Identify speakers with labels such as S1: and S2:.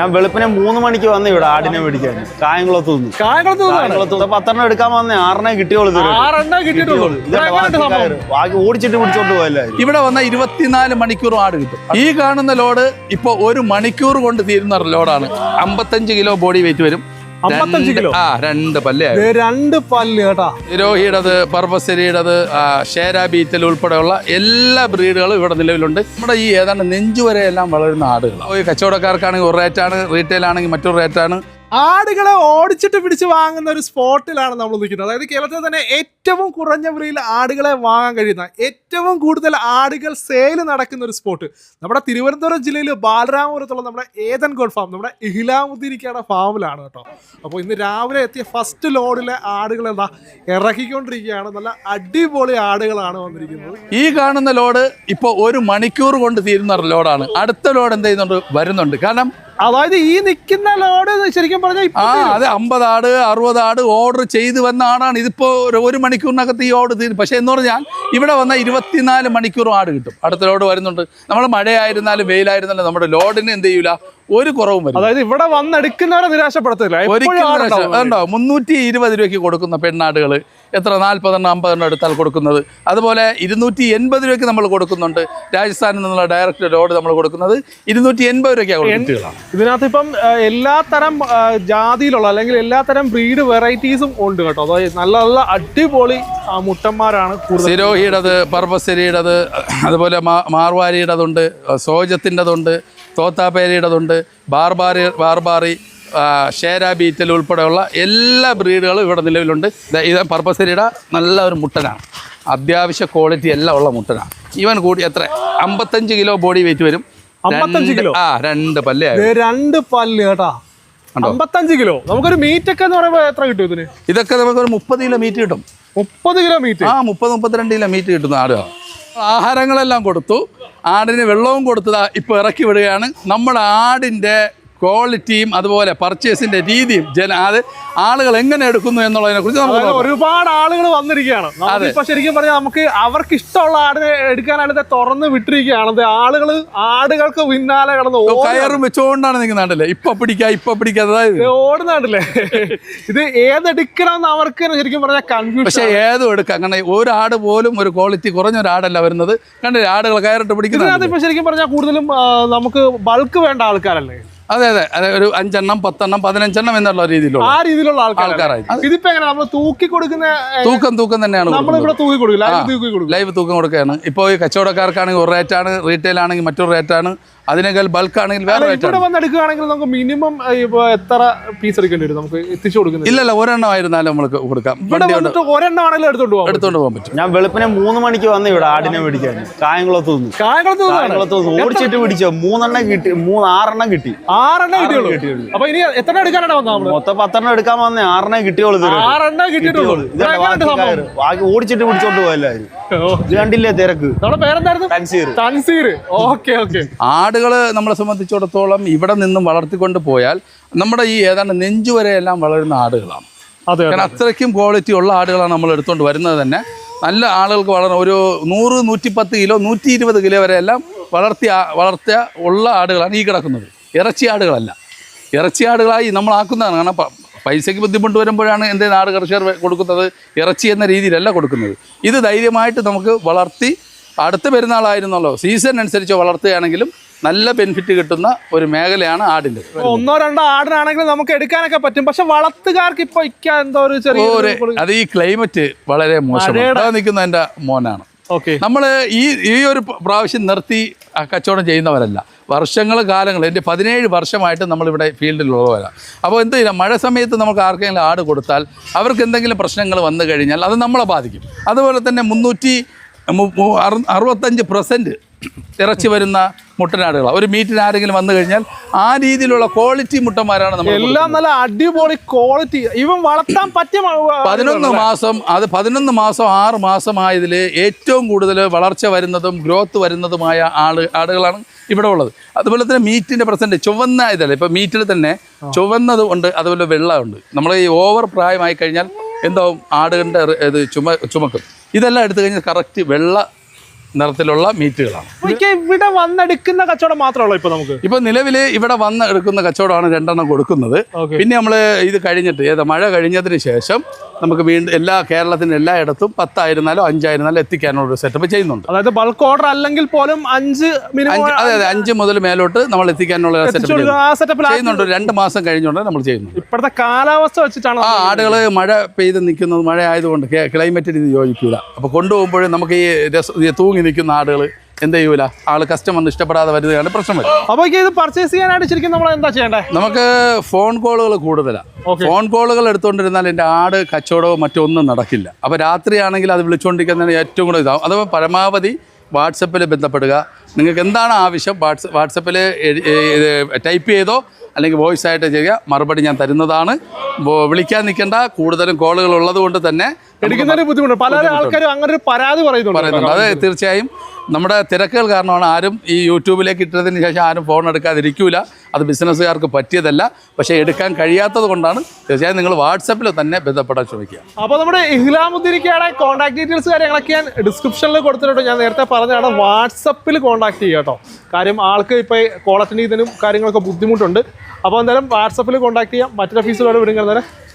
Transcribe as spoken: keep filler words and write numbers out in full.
S1: ഞാൻ വെളുപ്പിനെ മൂന്ന് മണിക്ക് വന്ന് ഇവിടെ ആടിനെ മേടിക്കാൻ കായംകുളത്ത് നിന്ന് കായംകുളത്ത് പത്തെണ്ണം എടുക്കാൻ വന്നേ ആറെണ്ണേ കിട്ടിയോളൂ ബാക്കി ഓടിച്ചിട്ട് പിടിച്ചോണ്ട് പോയല്ലേ.
S2: ഇവിടെ വന്ന ഇരുപത്തിനാല് മണിക്കൂർ ആട് കിട്ടും. ഈ കാണുന്ന ലോഡ് ഇപ്പൊ ഒരു മണിക്കൂർ കൊണ്ട് തീരുന്ന ലോഡാണ്. അമ്പത്തഞ്ച് കിലോ ബോഡി വെയിറ്റ് വരും.
S3: അമ്പത്തഞ്ച് കിലോ
S2: ആ രണ്ട് പല്ല്
S3: രണ്ട് പല്ല് കേട്ടാ.
S2: രോഹിയുടേത്, പർപ്പസരിയുടേത്, ഷേര ബീറ്റൽ ഉൾപ്പെടെയുള്ള എല്ലാ ബ്രീഡുകളും ഇവിടെ നിലവിലുണ്ട്. നമ്മുടെ ഈ ഏതാണ്ട് നെഞ്ചുവരെ എല്ലാം വളരുന്ന ആടുകളാണ്. കച്ചവടക്കാർക്കാണെങ്കിൽ ഒരു റേറ്റാണ്, റീറ്റെയിൽ ആണെങ്കിൽ മറ്റൊരു റേറ്റാണ്.
S3: ആടുകളെ ഓടിച്ചിട്ട് പിടിച്ച് വാങ്ങുന്ന ഒരു സ്പോട്ടിലാണ് നമ്മൾ നിൽക്കുന്നത്. അതായത് കേരളത്തിൽ തന്നെ ഏറ്റവും കുറഞ്ഞ വിലയിൽ ആടുകളെ വാങ്ങാൻ കഴിയുന്ന, ഏറ്റവും കൂടുതൽ ആടുകൾ സെയിൽ നടക്കുന്ന ഒരു സ്പോട്ട് നമ്മുടെ തിരുവനന്തപുരം ജില്ലയിൽ ബാലരാമപുരത്തുള്ള നമ്മുടെ ഏതൻ ഗോഡ് ഫാം, നമ്മുടെ ഇഹ്ലാമുദ്ദീനിക്കയുടെ ഫാമിലാണ് കേട്ടോ. അപ്പോൾ ഇന്ന് രാവിലെ എത്തിയ ഫസ്റ്റ് ലോഡിലെ ആടുകൾ എന്താ ഇറക്കിക്കൊണ്ടിരിക്കുകയാണ്. നല്ല അടിപൊളി ആടുകളാണ് വന്നിരിക്കുന്നത്.
S2: ഈ കാണുന്ന ലോഡ് ഇപ്പോൾ ഒരു മണിക്കൂർ കൊണ്ട് തീരുന്ന ലോഡാണ്. അടുത്ത ലോഡ് എന്ത് ചെയ്യുന്നുണ്ട്, വരുന്നുണ്ട്. കാരണം
S3: അതായത് ഈ നിൽക്കുന്ന ലോഡ് ശരിക്കും പറഞ്ഞാൽ
S2: ആ അതെ അമ്പത് ആട് അറുപത് ആട് ഓർഡർ ചെയ്ത് വന്ന ആടാണ്. ഇതിപ്പോ ഒരു മണിക്കൂറിനകത്ത് ഈ ഓർഡർ തീരും. പക്ഷെ എന്ന് പറഞ്ഞാൽ ഇവിടെ വന്ന ഇരുപത്തിനാല് മണിക്കൂറും ആട് കിട്ടും. അടുത്ത ലോഡ് വരുന്നുണ്ട്. നമ്മൾ മഴയായിരുന്നാലും വെയിലായിരുന്നാലും നമ്മുടെ ലോഡിന് എന്ത് ചെയ്യൂല, ഒരു കുറവും വരും.
S3: അതായത് ഇവിടെ വന്നെടുക്കുന്നവരെ നിരാശപ്പെടുത്തില്ല.
S2: ഒരിക്കലും മുന്നൂറ്റി ഇരുപത് രൂപയ്ക്ക് കൊടുക്കുന്ന പെണ്ണാടുകൾ എത്ര നാൽപ്പതെണ്ണം അമ്പതെണ്ണം എടുത്താൽ കൊടുക്കുന്നത്. അതുപോലെ ഇരുന്നൂറ്റി എൺപത് രൂപയ്ക്ക് നമ്മൾ കൊടുക്കുന്നുണ്ട്. രാജസ്ഥാനിൽ നിന്നുള്ള ഡയറക്റ്റ് ലോഡ് നമ്മൾ കൊടുക്കുന്നത് ഇരുന്നൂറ്റി എൺപത് രൂപയ്ക്കാണ് കൊടുക്കുന്നത്.
S3: ഇതിനകത്ത് ഇപ്പം എല്ലാത്തരം ജാതിയിലുള്ള അല്ലെങ്കിൽ എല്ലാത്തരം ബ്രീഡ് വെറൈറ്റീസും ഉണ്ട് കേട്ടോ. അതായത് നല്ല നല്ല അടിപൊളി മുട്ടന്മാരാണ്.
S2: സിരോഹിയുടേത്, പർപ്പസരിയുടേത്, അതുപോലെ മാർവാരിയുടേതുണ്ട്, സോജത്തിൻ്റെതുണ്ട്, തോത്താപ്പേരിയുടേതുണ്ട്, ബാർബാറി ബാർബാറി ഷേര ബീറ്റൽ ഉൾപ്പെടെയുള്ള എല്ലാ ബ്രീഡുകളും ഇവിടെ നിലവിലുണ്ട്. ഇത് പർപ്പസരിയുടെ നല്ല ഒരു മുട്ടനാണ്. അത്യാവശ്യ ക്വാളിറ്റി എല്ലാം ഉള്ള മുട്ടനാണ്. ഇവൻ കൂടി എത്ര അമ്പത്തഞ്ച് കിലോ ബോഡി വെയിറ്റ് വരും.
S3: അമ്പത്തഞ്ച് കിലോ
S2: ആ രണ്ട് പല്ല്
S3: രണ്ട് പല്ല് കേട്ടാ. അമ്പത്തഞ്ച് കിലോ നമുക്കൊരു മീറ്റ് ഒക്കെ എന്ന് പറയുമ്പോൾ എത്ര കിട്ടും ഇതിന്?
S2: ഇതൊക്കെ നമുക്കൊരു മുപ്പത് കിലോ മീറ്റ് കിട്ടും.
S3: മുപ്പത് കിലോ മീറ്റ്?
S2: ആ മുപ്പത് മുപ്പത്തിരണ്ട് കിലോ മീറ്റ് കിട്ടുന്ന ആടുകളാണ്. ആഹാരങ്ങളെല്ലാം കൊടുത്തു, ആടിന് വെള്ളവും കൊടുത്തതാ ഇപ്പോൾ ഇറക്കി വിടുകയാണ്. നമ്മുടെ ആടിൻ്റെ ക്വാളിറ്റിയും അതുപോലെ പർച്ചേസിന്റെ രീതിയും ജന അത് ആളുകൾ എങ്ങനെ എടുക്കുന്നു എന്നുള്ളതിനെ കുറിച്ച് നമുക്ക്
S3: ഒരുപാട് ആളുകൾ വന്നിരിക്കുകയാണ്. ഇപ്പൊ ശരിക്കും പറഞ്ഞാൽ നമുക്ക് അവർക്ക് ഇഷ്ടമുള്ള ആടിനെ എടുക്കാനായിട്ട് തുറന്ന് വിട്ടിരിക്കുകയാണ്. ആളുകൾ ആടുകൾക്ക് പിന്നാലെ കിടന്ന്
S2: കയറും വെച്ചുകൊണ്ടാണ് നിൽക്കുന്നുണ്ടല്ലേ, ഇപ്പൊ പിടിക്കുക ഇപ്പൊ പിടിക്കുക
S3: ഓടുന്നുണ്ടല്ലേ. ഇത് ഏതെടുക്കണമെന്ന് അവർക്ക് ശരിക്കും പറഞ്ഞാൽ കൺഫ്യൂഷൻ.
S2: പക്ഷെ ഏതും എടുക്കാം. കാരണം ഒരു ആട് പോലും ഒരു ക്വാളിറ്റി കുറഞ്ഞ ഒരു ആടല്ല വരുന്നത്. കണ്ടില്ലേ ആടുകൾ കയറിട്ട് പിടിക്കുന്നത്.
S3: ഇപ്പൊ ശരിക്കും പറഞ്ഞാൽ കൂടുതലും നമുക്ക് ബൾക്ക് വേണ്ട ആൾക്കാരല്ലേ?
S2: അതെ അതെ അതെ ഒരു അഞ്ചെണ്ണം പത്തെണ്ണം പതിനഞ്ചെണ്ണം എന്നുള്ള രീതിയിലുള്ള
S3: ആ രീതിയിലുള്ള ആൾക്കാരായി. ഇതിപ്പോ എങ്ങനെ നമ്മൾ തൂക്കി കൊടുക്കുന്ന
S2: തൂക്കം തൂക്കം തന്നെയാണ്
S3: തൂക്കി കൊടുക്കുക,
S2: ലൈവ് തൂക്കം കൊടുക്കുകയാണ്. ഇപ്പോൾ ഈ കച്ചവടക്കാർക്കാണെങ്കിൽ ഒരു റേറ്റാണ്, റീറ്റെയിൽ ആണെങ്കിൽ മറ്റൊരു റേറ്റാണ്, അതിനേക്കാൾ ബൾക്ക് ആണെങ്കിൽ വേറെ
S3: ഇവിടെ വന്ന് എടുക്കുകയാണെങ്കിൽ നമുക്ക് മിനിമം എത്ര പീസ് എടുക്കേണ്ടി വരും നമുക്ക് എത്തിച്ചു കൊടുക്കുന്നത്?
S2: ഇല്ലല്ല ഒരെണ്ണം ആയിരുന്നാലും നമുക്ക് കൊടുക്കാം.
S3: ഒരെണ്ണം ആണെങ്കിലും എടുത്തോണ്ട് പോകാം
S2: എടുത്തോണ്ട് പോകാൻ പറ്റും.
S1: ഞാൻ വെളുപ്പിനെ മൂന്ന് മണിക്ക് വന്ന് ഇവിടെ ആടിനെ മേടിക്കാൻ കായംകുളത്ത് നിന്ന് കായംകുളത്ത് നിന്ന് ഓടിച്ചിട്ട് പിടിച്ചോ മൂന്നെണ്ണം കിട്ടി, മൂന്ന് ആറെണ്ണം കിട്ടി.
S3: ആറെണ്ണം കിട്ടിയുള്ളൂ. അപ്പൊ ഇനി എത്ര എടുക്കാനാണ് വന്നത്?
S1: മൊത്തം പത്തെണ്ണം എടുക്കാൻ വന്നേ ആറെണ്ണം കിട്ടിയോളൂ.
S3: ആറെണ്ണം കിട്ടിയിട്ടുള്ളൂ.
S1: ബാക്കി ഓടിച്ചിട്ട് പിടിച്ചോണ്ട് പോയല്ലായിരുന്നു. ഇത് കണ്ടില്ലേ തിരക്ക്.
S3: നമ്മുടെ പേരെന്തായിരുന്നു? തൻസീർ. തൻസീർ. Okay okay.
S2: ആടുകള് നമ്മളെ സംബന്ധിച്ചിടത്തോളം ഇവിടെ നിന്നും വളർത്തിക്കൊണ്ട് പോയാൽ നമ്മുടെ ഈ ഏതാണ്ട് നെഞ്ചുവരെ എല്ലാം വളരുന്ന ആടുകളാണ്. കാരണം അത്രയ്ക്കും ക്വാളിറ്റി ഉള്ള ആടുകളാണ് നമ്മൾ എടുത്തുകൊണ്ട് വരുന്നത് തന്നെ. നല്ല ആളുകൾക്ക് വളർന്ന ഒരു നൂറ് നൂറ്റിപ്പത്ത് കിലോ നൂറ്റി ഇരുപത് കിലോ വരെ എല്ലാം വളർത്തിയ വളർത്തിയ ഉള്ള ആടുകളാണ് ഈ കിടക്കുന്നത്. ഇറച്ചി ആടുകളല്ല, ഇറച്ചി ആടുകളായി നമ്മൾ ആക്കുന്നതാണ്. കാരണം പൈസയ്ക്ക് ബുദ്ധിമുട്ട് വരുമ്പോഴാണ് എൻ്റെ നാട് കർഷകർ കൊടുക്കുന്നത്, ഇറച്ചി എന്ന രീതിയിലല്ല കൊടുക്കുന്നത്. ഇത് ധൈര്യമായിട്ട് നമുക്ക് വളർത്തി അടുത്ത പെരുന്നാളായിരുന്നല്ലോ സീസൺ അനുസരിച്ച് വളർത്തുകയാണെങ്കിലും നല്ല ബെനിഫിറ്റ് കിട്ടുന്ന ഒരു മേഖലയാണ് ആടിൻ്റെ.
S3: ഒന്നോ രണ്ടോ ആടിനാണെങ്കിലും നമുക്ക് എടുക്കാനൊക്കെ പറ്റും. പക്ഷെ വളർത്തുകാർക്ക് ഇപ്പൊ എന്തോ ഒരു ചെറിയ
S2: അത് ഈ ക്ലൈമറ്റ് വളരെ മോശമാണ്. നിൽക്കുന്ന എൻ്റെ മോനാണ്. നമ്മൾ ഈ ഈ ഒരു പ്രാവശ്യം നിർത്തി കച്ചവടം ചെയ്യുന്നവരല്ല, വർഷങ്ങൾ കാലങ്ങൾ എൻ്റെ പതിനേഴ് വർഷമായിട്ട് നമ്മളിവിടെ ഫീൽഡിലുള്ളവരാണ്. അപ്പോൾ എന്ത് ചെയ്യാം, മഴ സമയത്ത് നമുക്ക് ആർക്കെങ്കിലും ആട് കൊടുത്താൽ അവർക്ക് എന്തെങ്കിലും പ്രശ്നങ്ങൾ വന്നു കഴിഞ്ഞാൽ അത് നമ്മളെ ബാധിക്കും. അതുപോലെ തന്നെ മുന്നൂറ്റി അറുപത്തഞ്ച് പെർസെൻറ്റ് ഇറച്ചി വരുന്ന മുട്ടനാടുകളാണ്. ഒരു മീറ്റിന് ആരെങ്കിലും വന്നു കഴിഞ്ഞാൽ ആ രീതിയിലുള്ള ക്വാളിറ്റി മുട്ടന്മാരാണ് നമ്മൾ
S3: എല്ലാം നല്ല അടിപൊളി ക്വാളിറ്റി. ഇവൻ വളർത്താൻ പറ്റിയ
S2: പതിനൊന്ന് മാസം അത് പതിനൊന്ന് മാസം ആറ് മാസമായതിൽ ഏറ്റവും കൂടുതൽ വളർച്ച വരുന്നതും ഗ്രോത്ത് വരുന്നതുമായ ആട് ആടുകളാണ് ഇവിടെ ഉള്ളത്. അതുപോലെ തന്നെ മീറ്റിൻ്റെ പെർസെൻറ്റ് ചുവന്ന ഇതല്ല, ഇപ്പോൾ മീറ്റിൽ തന്നെ ചുവന്നത് ഉണ്ട്, അതുപോലെ വെള്ളമുണ്ട്. നമ്മൾ ഈ ഓവർ പ്രായമായി കഴിഞ്ഞാൽ എന്താവും ആടുകളുടെ ഇത് ചുമ ചുമക്കും. ഇതെല്ലാം എടുത്തു കഴിഞ്ഞാൽ കറക്റ്റ് വെള്ള നിറത്തിലുള്ള മീറ്റുകളാണ്.
S3: ഇവിടെ വന്നെടുക്കുന്ന കച്ചവടം മാത്രമേ ഇപ്പൊ നമുക്ക്
S2: ഇപ്പൊ നിലവിൽ ഇവിടെ വന്ന് എടുക്കുന്ന കച്ചവടമാണ് രണ്ടെണ്ണം കൊടുക്കുന്നത്. പിന്നെ നമ്മൾ ഇത് കഴിഞ്ഞിട്ട് ഏതാ മഴ കഴിഞ്ഞതിന് ശേഷം നമുക്ക് വീണ്ടും എല്ലാ കേരളത്തിന്റെ എല്ലായിടത്തും പത്തായിരുന്നാലും അഞ്ചായിരുന്നാലും എത്തിക്കാനുള്ള ഒരു സെറ്റപ്പ് ചെയ്യുന്നുണ്ട്.
S3: അതായത് ബൾക്ക് ഓർഡർ അല്ലെങ്കിൽ പോലും അഞ്ച്
S2: അതെ അതെ അഞ്ച് മുതൽ മേലോട്ട് നമ്മൾ എത്തിക്കാനുള്ള സെറ്റപ്പ് ചെയ്യുന്നുണ്ട്. രണ്ട് മാസം കഴിഞ്ഞുകൊണ്ട് നമ്മൾ ചെയ്യുന്നുണ്ട്.
S3: ഇപ്പോഴത്തെ കാലാവസ്ഥ വെച്ചിട്ടാണ്
S2: ആ ആടുകൾ മഴ പെയ്ത് നിൽക്കുന്നത് മഴ ആയതുകൊണ്ട് ക്ലൈമറ്റിന് ഇത് യോജിക്കൂല. അപ്പോൾ കൊണ്ടുപോകുമ്പോഴും നമുക്ക് ഈ രസ തൂങ്ങി നിൽക്കുന്ന ആടുകൾ എന്ത് ചെയ്യൂല, ആള് കസ്റ്റമറിന് ഇഷ്ടപ്പെടാതെ വരുന്നതാണ് പ്രശ്നം വരും.
S3: അപ്പോൾ ഇത് പർച്ചേസ് ചെയ്യാനായിട്ട് ശരിക്കും നമ്മൾ എന്താ ചെയ്യേണ്ടത്?
S2: നമുക്ക് ഫോൺ കോളുകൾ കൂടുതലാണ്. ഫോൺ കോളുകൾ എടുത്തുകൊണ്ടിരുന്നാൽ എൻ്റെ ആട് കച്ചവടവും മറ്റൊന്നും നടക്കില്ല. അപ്പോൾ രാത്രിയാണെങ്കിൽ അത് വിളിച്ചുകൊണ്ടിരിക്കുന്നതിന് ഏറ്റവും കൂടുതൽ ഇതാവും. അത് പരമാവധി വാട്സപ്പിൽ ബന്ധപ്പെടുക. നിങ്ങൾക്ക് എന്താണ് ആവശ്യം വാട്സ് വാട്സപ്പിൽ ടൈപ്പ് ചെയ്തോ അല്ലെങ്കിൽ വോയിസ് ആയിട്ട് ചെയ്യുക, മറുപടി ഞാൻ തരുന്നതാണ്. വിളിക്കാൻ നിൽക്കേണ്ട, കൂടുതലും കോളുകൾ ഉള്ളത് കൊണ്ട് തന്നെ
S3: എടുക്കുന്നൊരു ബുദ്ധിമുട്ട്. പല ആൾക്കാരും അങ്ങനെ ഒരു പരാതി പറയുന്നുണ്ട്.
S2: അത് തീർച്ചയായും നമ്മുടെ തിരക്കുകൾ കാരണമാണ് ആരും ഈ യൂട്യൂബിലേക്ക് ഇട്ടതിന് ശേഷം ആരും ഫോൺ എടുക്കാതിരിക്കൂല. അത് ബിസിനസ്സുകാർക്ക് പറ്റിയതല്ല, പക്ഷേ എടുക്കാൻ കഴിയാത്തത് കൊണ്ടാണ്. തീർച്ചയായും നിങ്ങൾ വാട്സപ്പിൽ തന്നെ ബന്ധപ്പെടാൻ ശ്രമിക്കുക.
S3: അപ്പോൾ നമ്മുടെ ഇഹ്ലാമുദ്ദീനിക്കയുടെ കോൺടാക്ട് ഡീറ്റെയിൽസ് കാര്യങ്ങളൊക്കെ ഞാൻ ഡിസ്ക്രിപ്ഷനിൽ കൊടുത്തിട്ടുണ്ട്. ഞാൻ നേരത്തെ പറഞ്ഞതാണ് വാട്സപ്പിൽ കോൺടാക്ട് ചെയ്യുക കേട്ടോ. കാര്യം ആൾക്ക് ഇപ്പോൾ കോൾ അറ്റൻഡ് ചെയ്യുന്നതിനും കാര്യങ്ങളൊക്കെ ബുദ്ധിമുട്ടുണ്ട്. അപ്പോൾ എന്തായാലും വാട്സപ്പിൽ കോൺടാക്ട് ചെയ്യാം. മറ്റൊരു ഓഫീസിലോട് വിടുന്നത്